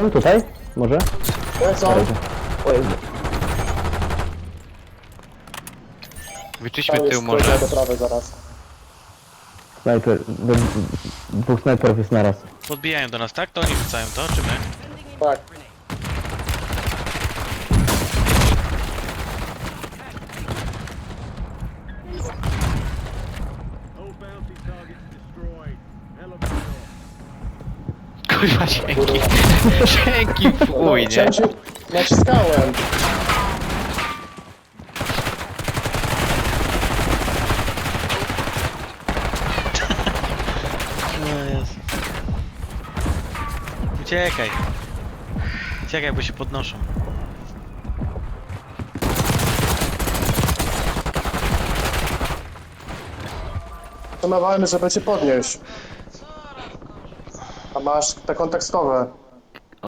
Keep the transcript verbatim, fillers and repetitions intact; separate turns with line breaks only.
jeden tutaj? Może?
Lecą.
O Jezu.
Wyczyśmy
Tam
tył
jest
może.
do prawej zaraz.
Snajper. d- d- Dwóch snajperów jest naraz.
Podbijają do nas, tak? To oni rzucają to, czy my?
Tak.
Kurwa, dzięki. Dzięki, fuj, nie?
Chciałem się... Naciskałem.
No jest. Uciekaj. Uciekaj, bo się podnoszą.
Planowałem, żeby cię podnieść. A masz te kontekstowe.